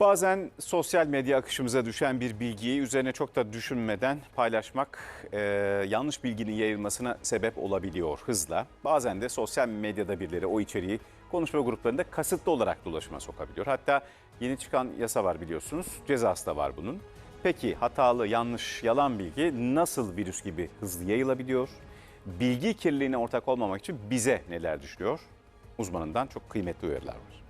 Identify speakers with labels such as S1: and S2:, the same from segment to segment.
S1: Bazen sosyal medya akışımıza düşen bir bilgiyi üzerine çok da düşünmeden paylaşmak yanlış bilginin yayılmasına sebep olabiliyor hızla. Bazen de sosyal medyada birileri o içeriği konuşma gruplarında kasıtlı olarak dolaşıma sokabiliyor. Hatta yeni çıkan yasa var biliyorsunuz, cezası da var bunun. Peki hatalı, yanlış, yalan bilgi nasıl virüs gibi hızlı yayılabiliyor? Bilgi kirliliğine ortak olmamak için bize neler düşüyor? Uzmanından çok kıymetli uyarılar var.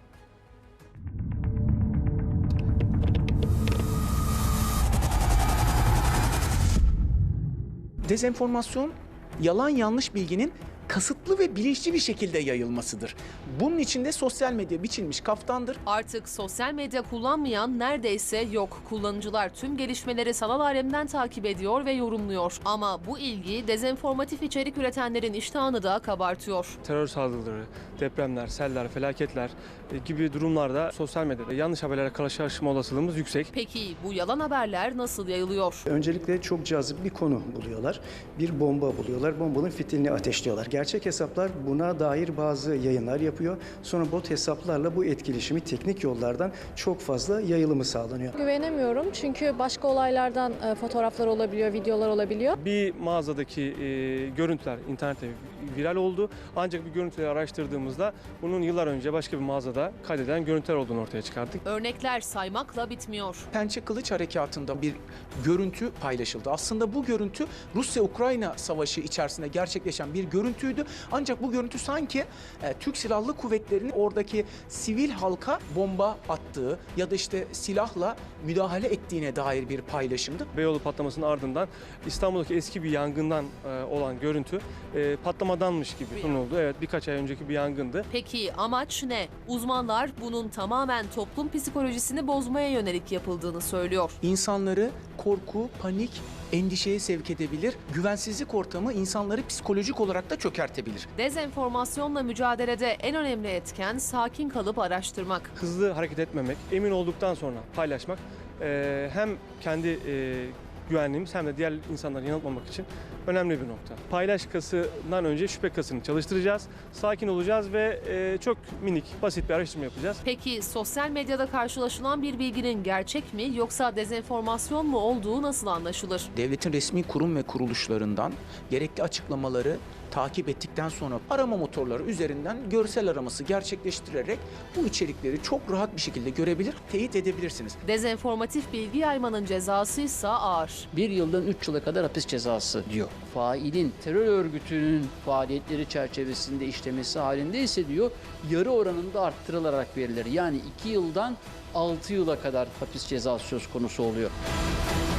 S2: Dezenformasyon, yalan yanlış bilginin kasıtlı ve bilinçli bir şekilde yayılmasıdır. Bunun içinde sosyal medya biçilmiş kaftandır.
S3: Artık sosyal medya kullanmayan neredeyse yok. Kullanıcılar tüm gelişmeleri sanal alemden takip ediyor ve yorumluyor. Ama bu ilgi dezenformatif içerik üretenlerin iştahını da kabartıyor.
S4: Terör saldırıları, depremler, seller, felaketler gibi durumlarda sosyal medyada yanlış haberlere karşılaşma olasılığımız yüksek.
S3: Peki bu yalan haberler nasıl yayılıyor?
S5: Öncelikle çok cazip bir konu buluyorlar. Bir bomba buluyorlar. Bombanın fitilini ateşliyorlar. Gerçek hesaplar buna dair bazı yayınlar yapıyor. Sonra bot hesaplarla bu etkileşimi teknik yollardan çok fazla yayılımı sağlanıyor.
S6: Güvenemiyorum çünkü başka olaylardan fotoğraflar olabiliyor, videolar olabiliyor.
S4: Bir mağazadaki görüntüler internette viral oldu. Ancak bir görüntüleri araştırdığımızda bunun yıllar önce başka bir mağazada kaydedilen görüntüler olduğunu ortaya çıkarttık.
S3: Örnekler saymakla bitmiyor.
S2: Pençe Kılıç Harekatı'nda bir görüntü paylaşıldı. Aslında bu görüntü Rusya-Ukrayna savaşı içerisinde gerçekleşen bir görüntüydü. Ancak bu görüntü sanki Türk Silahlı Kuvvetleri'nin oradaki sivil halka bomba attığı ya da işte silahla müdahale ettiğine dair bir paylaşımdı.
S4: Beyoğlu patlamasının ardından İstanbul'daki eski bir yangından olan görüntü patlamadanmış gibi sunuldu. Evet, birkaç ay önceki bir yangındı.
S3: Peki amaç ne? Uzmanlar bunun tamamen toplum psikolojisini bozmaya yönelik yapıldığını söylüyor.
S2: İnsanları korku, panik, endişeye sevk edebilir. Güvensizlik ortamı insanları psikolojik olarak da çökertebilir.
S3: Dezenformasyonla mücadelede en önemli etken sakin kalıp araştırmak.
S4: Hızlı hareket etmemek, emin olduktan sonra paylaşmak hem kendi güvenliğimiz hem de diğer insanları yanıltmamak için önemli bir nokta. Paylaş kasından önce şüphe kasını çalıştıracağız, sakin olacağız ve çok minik, basit bir araştırma yapacağız.
S3: Peki sosyal medyada karşılaşılan bir bilginin gerçek mi yoksa dezenformasyon mu olduğu nasıl anlaşılır?
S2: Devletin resmi kurum ve kuruluşlarından gerekli açıklamaları takip ettikten sonra arama motorları üzerinden görsel araması gerçekleştirerek bu içerikleri çok rahat bir şekilde görebilir, teyit edebilirsiniz.
S3: Dezenformatif bilgi yaymanın cezası ise ağır.
S7: 1 yıldan 3 yıla kadar hapis cezası diyor. Failin terör örgütünün faaliyetleri çerçevesinde işlemesi halinde ise diyor yarı oranında arttırılarak verilir. Yani 2 yıldan 6 yıla kadar hapis cezası söz konusu oluyor.